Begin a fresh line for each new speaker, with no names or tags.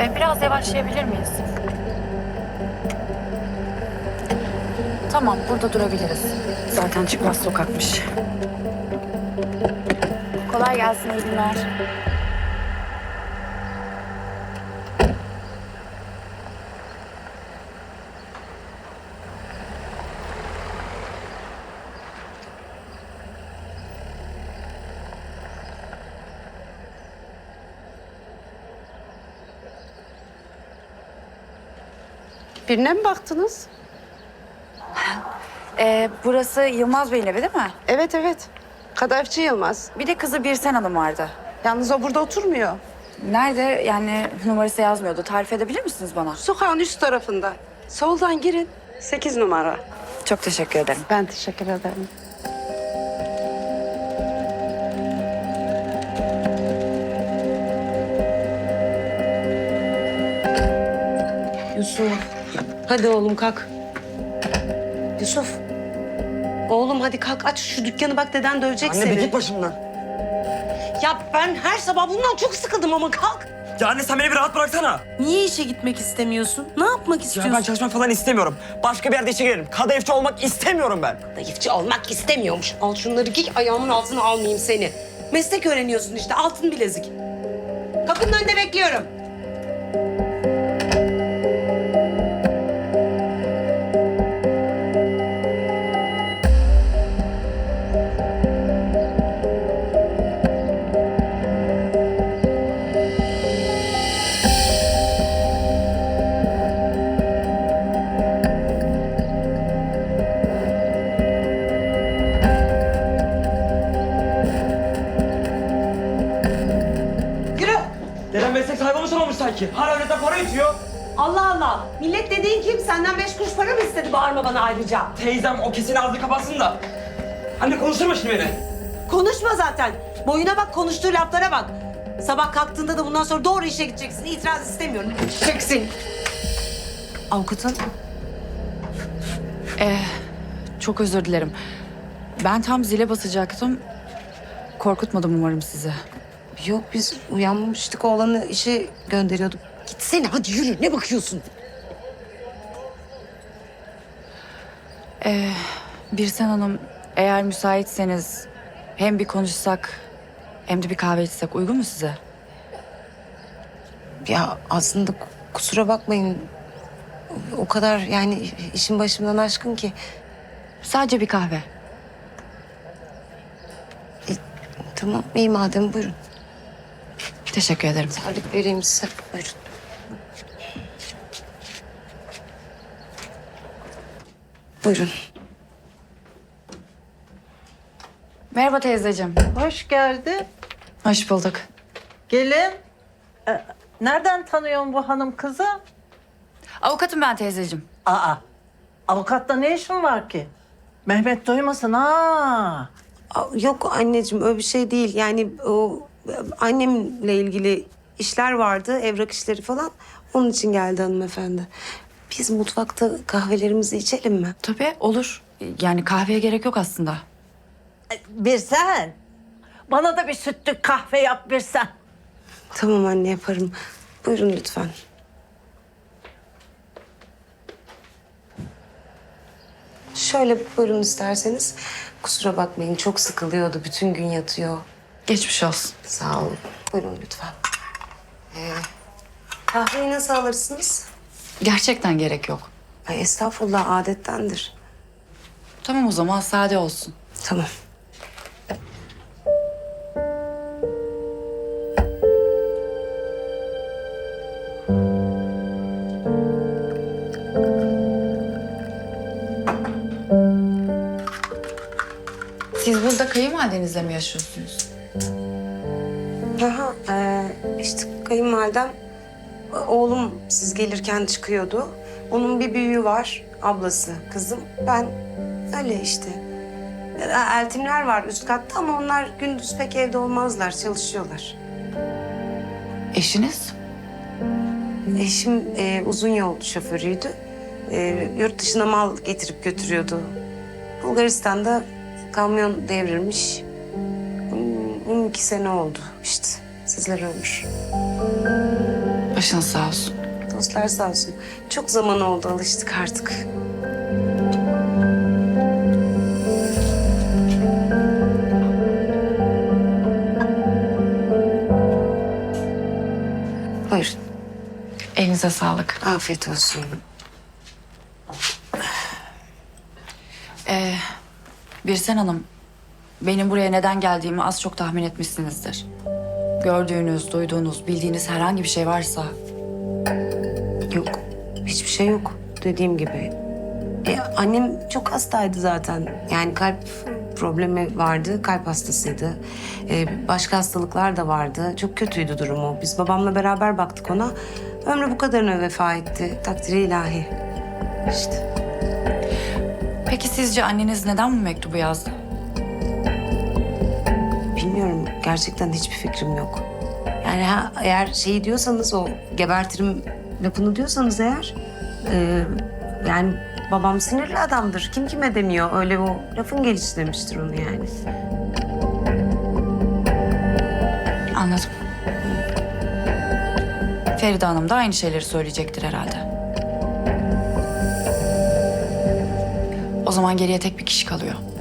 Biraz yavaşlayabilir miyiz? Tamam, burada durabiliriz. Zaten çıkmaz sokakmış. Kolay gelsin, iyi günler.
Birine mi baktınız?
Burası Yılmaz Bey'in evi değil mi?
Evet evet. Kadayıfçı Yılmaz.
Bir de kızı Birsen Hanım vardı.
Yalnız o burada oturmuyor.
Nerede? Yani numarası yazmıyordu. Tarif edebilir misiniz bana?
Sokağın üst tarafında. Soldan girin. 8 numara.
Çok teşekkür ederim.
Ben teşekkür ederim.
Yusuf. Hadi oğlum kalk. Yusuf. Oğlum hadi kalk aç şu dükkanı bak deden dövecek
Anne
seni.
bir git başımdan.
Ya ben her sabah bundan çok sıkıldım ama kalk.
Ya anne sen beni bir rahat bıraksana.
Niye işe gitmek istemiyorsun? Ne yapmak
Ya
istiyorsun?
ben çalışmak falan istemiyorum. Başka bir yerde işe girerim. Kadayıfçı olmak istemiyorum ben.
Zayıfçı olmak istemiyormuş. Al şunları giy ayağımın altına almayayım seni. Meslek öğreniyorsun işte altın bilezik. Kapının önünde bekliyorum. Yürü.
Dedem meslek sahibi olmuş sanki. Hala öğretmen para itiyor.
Allah Allah. Millet dediğin kim? Senden 5 kuruş para mı istedi? Bağırma bana ayrıca.
Teyzem o kesin ağzını kapatsın da. Anne konuşturma şimdi beni.
Konuşma zaten. Boyuna bak, konuştuğu laflara bak. Sabah kalktığında da bundan sonra doğru işe gideceksin. İtiraz istemiyorum. Gideceksin. Avukatın?
Çok özür dilerim. Ben tam zile basacaktım. Korkutmadım umarım sizi.
Yok biz uyanmıştık. Oğlanı işe gönderiyorduk. Gitsene hadi yürü. Ne bakıyorsun?
Birsen Hanım, eğer müsaitseniz hem bir konuşsak hem de bir kahve içsek uygun mu size?
Ya aslında kusura bakmayın. O kadar yani işin başımdan aşkın ki.
Sadece bir kahve.
Tamam iyi madem buyurun.
Teşekkür ederim.
Tarif vereyim size. Buyurun. Buyurun.
Merhaba teyzeciğim.
Hoş geldin.
Hoş bulduk.
Gelin. Nereden tanıyorsun bu hanım kızı?
Avukatım ben teyzeciğim.
Avukatla ne işin var ki? Mehmet duymasın ha.
Yok anneciğim öyle bir şey değil. Yani o annemle ilgili işler vardı, evrak işleri falan. Onun için geldi hanımefendi. Biz mutfakta kahvelerimizi içelim mi?
Tabii olur. Yani kahveye gerek yok aslında.
Bir sen. Bana da bir sütlü kahve yap bir sen.
Tamam anne yaparım. Buyurun lütfen. Şöyle buyurun isterseniz. Kusura bakmayın çok sıkılıyordu. Bütün gün yatıyor.
Geçmiş olsun.
Sağ olun. Buyurun lütfen. Kahveyi nasıl alırsınız?
Gerçekten gerek yok.
Ay estağfurullah adettendir.
Tamam o zaman sade olsun.
Tamam.
Siz burada kayınvalidenizle mi yaşıyorsunuz?
Aha, işte kayınvalidem, oğlum siz gelirken çıkıyordu. Onun bir büyüğü var, ablası, kızım. Ben öyle işte. Eltimler var üst katta ama onlar gündüz pek evde olmazlar, çalışıyorlar.
Eşiniz?
Eşim uzun yol şoförüydü. Yurt dışına mal getirip götürüyordu. Bulgaristan'da kamyon devrilmiş. 12 sene oldu işte. Sizler ömür.
Başınız sağ olsun.
Dostlar sağ olsun. Çok zaman oldu, alıştık artık. Buyurun.
Elinize sağlık.
Afiyet olsun.
Birsen Hanım, benim buraya neden geldiğimi az çok tahmin etmişsinizdir. Gördüğünüz, duyduğunuz, bildiğiniz herhangi bir şey varsa
Yok, hiçbir şey yok. Dediğim gibi. Annem çok hastaydı zaten. Yani kalp problemi vardı, kalp hastasıydı. Başka hastalıklar da vardı. Çok kötüydü durumu. Biz babamla beraber baktık ona. Ömrü bu kadarına vefa etti. Takdiri ilahi. İşte.
peki sizce anneniz neden bu mektubu yazdı?
Bilmiyorum. Gerçekten hiçbir fikrim yok. Yani eğer şey diyorsanız, o gebertirim lafını diyorsanız eğer... yani babam sinirli adamdır. Kim kime demiyor. Öyle o lafın gelişi demiştir onu yani.
Anladım. Feride Hanım da aynı şeyleri söyleyecektir herhalde. O zaman geriye tek bir kişi kalıyor.